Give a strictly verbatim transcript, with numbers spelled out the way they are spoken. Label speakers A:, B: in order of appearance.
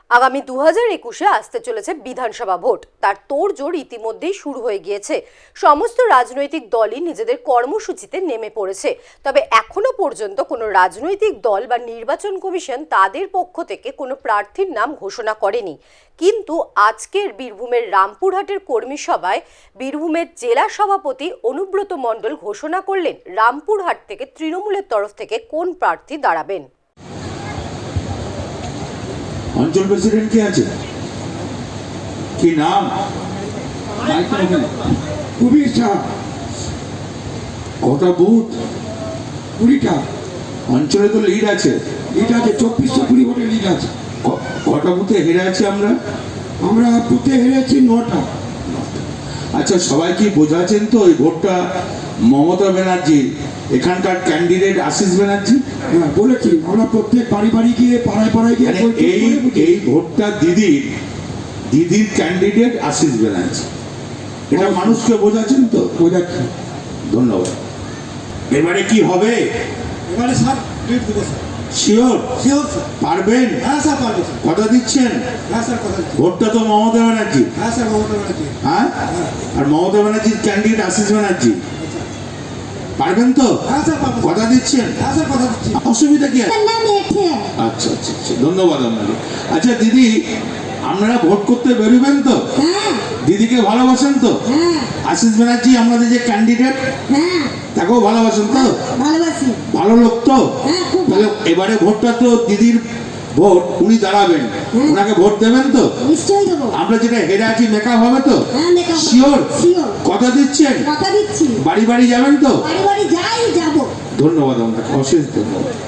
A: আগামী দু হাজার একুশে আসতে চলেছে বিধানসভা ভোট। তার তোড়জোড় ইতিমধ্যেই শুরু হয়ে গিয়েছে। সমস্ত রাজনৈতিক দলই নিজেদের কর্মসূচিতে নেমে পড়েছে। তবে এখনো পর্যন্ত কোনো রাজনৈতিক দল বা নির্বাচন কমিশন তাদের পক্ষ থেকে কোনো প্রার্থীর নাম ঘোষণা করেনি। কিন্তু আজকের বীরভূমের রামপুরহাটের কর্মী সভায় বীরভূমের জেলা সভাপতি অনুব্রত মণ্ডল ঘোষণা করলেন রামপুরহাট থেকে তৃণমূলের তরফ থেকে কোন প্রার্থী দাঁড়াবেন।
B: অঞ্চল প্রেসিডেন্ট কে আছে, কি নাম?
C: কুবির সাহ।
B: কটা বুথ?
C: কুড়িটা।
B: অঞ্চলে তো লিড আছে,
C: লিড আছে চব্বিশশো কুড়ি ভোটের লিড আছে।
B: ক- কটা বুথে হেরে আছি আমরা?
C: আমরা বুথে হেরেছি নটা।
B: আচ্ছা, সবাই কি বোঝাচ্ছেন তো এই ভোটটা মমতা ব্যানার্জি, এখানকার ক্যান্ডিডেট আশিস ব্যানার্জি?
C: হ্যাঁ বলেছি, আমরা প্রত্যেক বাড়ি বাড়ি গিয়ে পাড়ায় পাড়ায় গিয়ে
B: মানে
C: বৈঠক
B: এই
C: করে বুঝিয়েছি।
B: এই ভোটটা দিদির দিদির ক্যান্ডিডেট আশিস ব্যানার্জি, এটা মানুষকে বোঝাচ্ছেন তো?
C: বোঝাচ্ছি।
B: ধন্যবাদ। এবারে কি হবে?
D: এবারে স্যার লিড দেবো স্যার।
B: শিওর?
D: Sure sir.
B: পারবেন?
D: হ্যাঁ স্যার পারবো স্যার।
B: কথা দিচ্ছেন?
D: হ্যাঁ স্যার কথা দিচ্ছি।
B: ভোটটা তো মমতা ব্যানার্জি,
D: হ্যাঁ স্যার মমতা ব্যানার্জি।
B: হ্যাঁ? আর মমতা ব্যানার্জির ক্যান্ডিডেট আশিস ব্যানার্জি, পারবেন তো?
D: হ্যাঁ স্যার পারবো।
B: কথা দিচ্ছেন?
D: হ্যাঁ স্যার কথা দিচ্ছি।
B: অসুবিধা কি আছে? আচ্ছা আচ্ছা আচ্ছা, ধন্যবাদ আপনাকে। আচ্ছা দিদি, আপনারা ভোট করতে বেরোবেন তো? দিদিকে ভালোবাসেন তো? আশিস ব্যানার্জি আমাদের যে ক্যান্ডিডেট, তাকেও ভালোবাসেন তো?
E: ভালোবাসি।
B: ভালো লোক তো?
E: হ্যাঁ, খুব ভালো।
B: তাহলে এবারে ভোটটা তো দিদির ভোট, উনি দাঁড়াবেন, ওনাকে ভোট দেবেন তো?
E: নিশ্চয়ই দেবো।
B: আমরা যেটা হেরে আছি মেকআপ হবে তো?
E: হ্যাঁ, make up হবে।
B: শিওর?
E: Sure।
B: কথা দিচ্ছেন?
E: কথা দিচ্ছি।
B: বাড়ি বাড়ি যাবেন তো?
E: বাড়ি বাড়ি যাই যাবো।
B: ধন্যবাদ আপনাকে, অশেষ ধন্যবাদ।